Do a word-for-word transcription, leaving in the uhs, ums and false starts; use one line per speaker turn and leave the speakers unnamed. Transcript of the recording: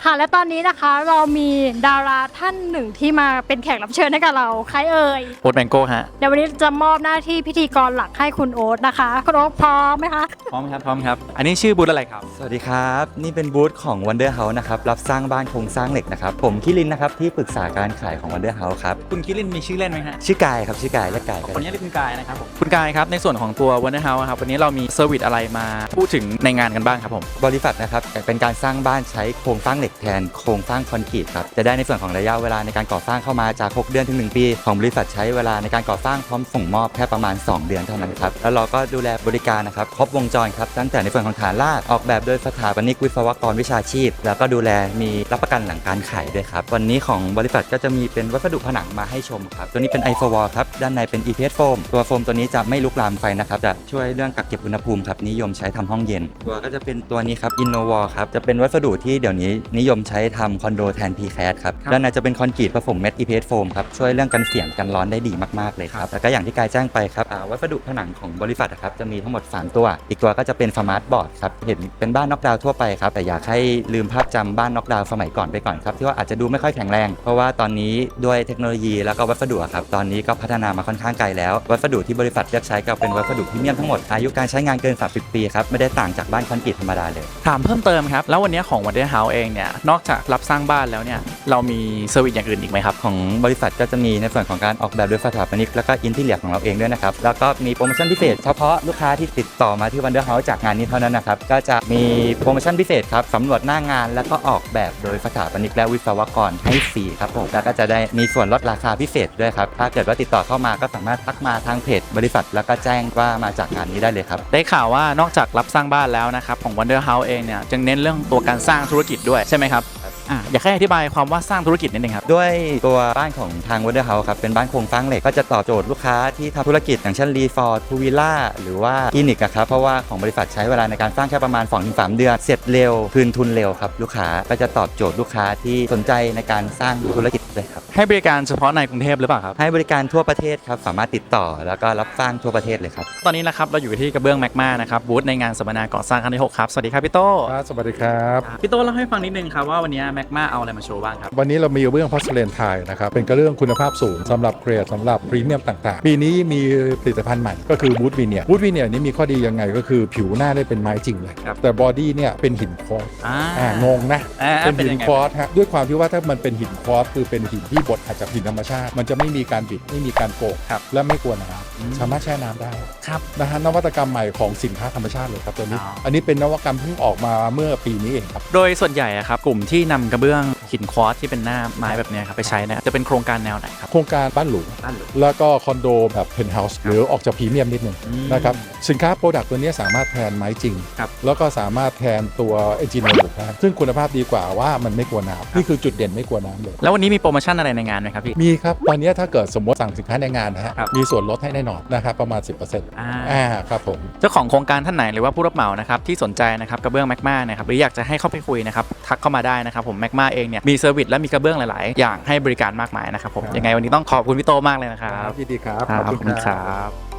ค่ะและตอนนี้นะคะเรามีดาราท่านหนึ่งที่มาเป็นแขกรับเชิญให้กับเราใครเอ่ย
โอ๊ตแมงโก้ฮะ
เดี๋ยววันนี้จะมอบหน้าที่พิธีกรหลักให้คุณโอ๊ตนะคะคุณโอ๊ตพร้อมไหมคะ
พร้อมครับพร้อมครับอันนี้ชื่อบูธอะไรครับ
สวัสดีครับนี่เป็นบูธของ Wonder House นะครับรับสร้างบ้านโครงสร้างเหล็กนะครับผมคิรินนะครับที่ปรึกษาการขายของ Wonder House ครับ
คุณคิรินมีชื่อเล่นไหมฮะ
ชื่อกายครับชื่อกายและกาย
คนนี้เรียกคุณกายนะครับผมคุณกายครับในส่วนของตัว Wonder House ครับวันนี้เรามีเซอร์วิสอะไรมาพูดถึงในงานกันบ้างครับผม
บริษัทนะครับเป็นการสร้างบ้านใช้โครงสร้างเหล็กแทนโครงสร้างคอนกรีตครับจะได้ในส่วนของระยะเวลาในการก่อสร้างเข้ามาจากหกเดือนถึงหนึ่งปีของบริษัทใช้เวลาในการก่อสร้างพร้อมส่งมอบแค่ประมาณสองเดือนเท่านั้นครับแล้วเราก็ดูแลบริการนะครับครบวงจรครับตั้งแต่ในส่วนของฐานรากออกแบบโดยสถาปนิกวิศวกรวิชาชีพแล้วก็ดูแลมีรับประกันหลังการขายด้วยครับวันนี้ของบริษัทก็จะมีเป็นวัสดุผนังมาให้ชมครับตัวนี้เป็น ไอ โฟ วอล ครับด้านในเป็น อี พี เอส โฟมตัวโฟมตัวนี้จะไม่ลุกลามไฟนะครับจะช่วยเรื่องกักเก็บอุณหภูมิครับนิยมใช้ทำห้องเย็นตัวก็จะเป็นตัวนี้ครับ Innovol ครับจะเป็นวัสดุที่เดี๋ยวนี้นิยมใช้ทำคอนโดแทน พี แคส ครับด้านในจะเป็นคอนกรีตผสมเม็ด อี พี เอส โฟมครับช่วยเรื่องกันเสียงกันร้อนได้ดีมากๆเลยครับแล้วก็อย่างที่กายแจ้งไปครับวัสดุผนังของบริษัทครับจะมีทั้งหมดสามตัวอีกตัวก็จะเป็นสมาร์ทบอร์ดครับเห็นเป็นบ้านน็อกดาวน์ทั่วไปครับแต่อยากให้ลืมภาพจำบ้านน็อกดาวน์สมัยก่อนไปก่อนครับที่ว่าอาจจะดูไม่ค่อยแข็งแรงเพราะว่าตอนนี้ด้วยเทคโนโลยีแล้วก็วัสดุครับตอนนี้ก็พัฒนามาค่อนข้างไกลแล้ววัสดุที่บริษัทเลือกใช้ก็เป็นวัสดุพรีเมียมทั้งหมดอายุการใช้งานเกินสามสิบปีครับไม่ได้ต่างจากบ้านคอนกรีตธรรมดาเลย
ถามเพิ่มเติมครับแล้ววันนี้ของ Wonder House เองเนี่ยนอกจากรับสร้างบ้านแล้วเนี่ยเรามีเซอร์วิสอย่างอื่นอีกไหมครับ
ของบริษัทก็จะมีในส่วนของการออกแบบโดยสถาปนิกแล้วก็อินทีเรียของเราเองด้วยนะครับแล้วก็มีโปรโมชั่นพิเศษเฉพาะลูกค้าที่ติดต่อมาที่ Wonder House จากงานนี้เท่านั้นนะครับก็จะมีโปรโมชั่นพิเศษครับสำรวจหน้างานแล้วก็ออกแบบโดยสถาปนิกและวิศวกรให้ฟรีครับผมแล้วก็จะได้มีส่วนลดราคาพิเศษด้วยครับถ้าเกิดว่าติดต่อเข้ามาก็สามารถทักมาทางเพจบริษัทแล้วก็แจ้งว่ามาจากงานนี้ได้เลยครับ
ได้ข่าวว่านอกจากรับสร้างบ้านแล้วนะครับของ Wonder House เองเนี่ยจึงเน้นเรื่องตัวการสร้างธุรกิจด้วยใช่ไหมครับอ่ะอยากให้อธิบายความว่าสร้างธุรกิจนิดนึงครับ
ด้วยตัวบ้านของทาง Wonder House ครับเป็นบ้านโครงสร้างเหล็กก็จะตอบโจทย์ลูกค้าที่ทำธุรกิจอย่างเช่นรีสอร์ทพูลวิลล่าหรือว่าคลินิกครับเพราะว่าของบริษัทใช้เวลาในการสร้างแค่ประมาณ สองถึงสาม เดือนเสร็จเร็วคืนทุนเร็วครับลูกค้าก็จะตอบโจทย์ลูกค้าที่สนใจในการสร้างธุรกิจเลยครับ
ให้บริการเฉพาะในกรุงเทพหรือเปล่าครับ
ให้บริการทั่วประเทศครับสามารถติดต่อแล้วก็รับสร้างทั่วประเทศเลยครับ
ตอนนี้นะครับเราอยู่ที่กระเบื้องแมกมานะครับบูธในงานสัมมนาก่อสร้างครั้งที่หกครับสวัสดีครับพี่โต้
สวัสดีครับ
พี่โต้เล่าให้ฟังนิดนึงครับว่าวันนี้แมกมาเอาอะไรมาโชว์บ้างครับ
วันนี้เรามีกระเบื้องพอร์เซเลนไทยนะครับเป็นกระเบื้องคุณภาพสูงสำหรับเกรดสำหรับพรีเมียมต่างๆปีนี้มีผลิตภัณฑ์ใหม่ก็คือบูธวีเนียร์บูธวีเนียร์นี้มีข้อดียังไงก็คือผิวหน้าได้เป็นไม้จริงเลยแต่บอดี้เนี่ยเป็นหินควอตซ์อ่างงนะเป็นหินควอตซ์ฮะด้วยความที่ว่าถ้ามันเป็นหินควอตซ์คือเป็นหินที่บดอาจจะหินธรรมชาติมันจะไม่มีการบิดไม่มีการโกกและไม่กลัวน้ำสามารถแช่น้ำได้นะฮะนวัตกรรมใหม่ของสินค้าธรรมชาติเลยครับตัวนี้อันนี้เป็นนวัตกรรมเพิ่งออกมาเมื่อปีนี้เองครับ
โดยส่วนใหญ่ครับกลุ่มที่นำกระเบื้องหินควอตซ์ที่เป็นหน้าไม้แบบนี้ครับไปใช้เนี่ยจะเป็นโครงการแนวไหนครับ
โครงการบ้านหรูแล้วก็คอนโดแบบเพนท์เฮาส์หรือออกจากพรีเมียมนิดนึงนะครับสินค้าโปรดักต์ตัวนี้สามารถแทนไม้จริงแล้วก็สามารถแทนตัวเอนจิเนียร์ได้ซึ่งคุณภาพดีกว่าว่ามันไม่กลัวน้ำนี่คือจุดเด่นไม่กลัวน้ำเลย
แล้ววันนี้มีโปรโมชั่นอะไรในงานไหมครับพี่
มีครับตอนนี้ถ้าเกิดสมมติสั่งสินค้าในงานนะฮะมีส่วนลดให้แน่นอนนะครับประมาณ สิบเปอร์เซ็นต์
อ่า
อ่าครับผม
เจ้าของโครงการท่านไหนหรือว่าผู้รับเหมานะครับที่สนใจนะครับกระเบื้องแมกมานะครับหรืออยากจะให้เข้าไปคุยนะครับทักเข้ามาได้นะครับผมแมกมาเองเนี่ยมีเซอร์วิสและมีกระเบื้องหลายๆอย่างให้บริการมากมายนะครับผมยังไงวันนี้ต้องขอบคุณพี่โตมากเลยนะครับ
ยินดีครับ
ขอบคุณครับ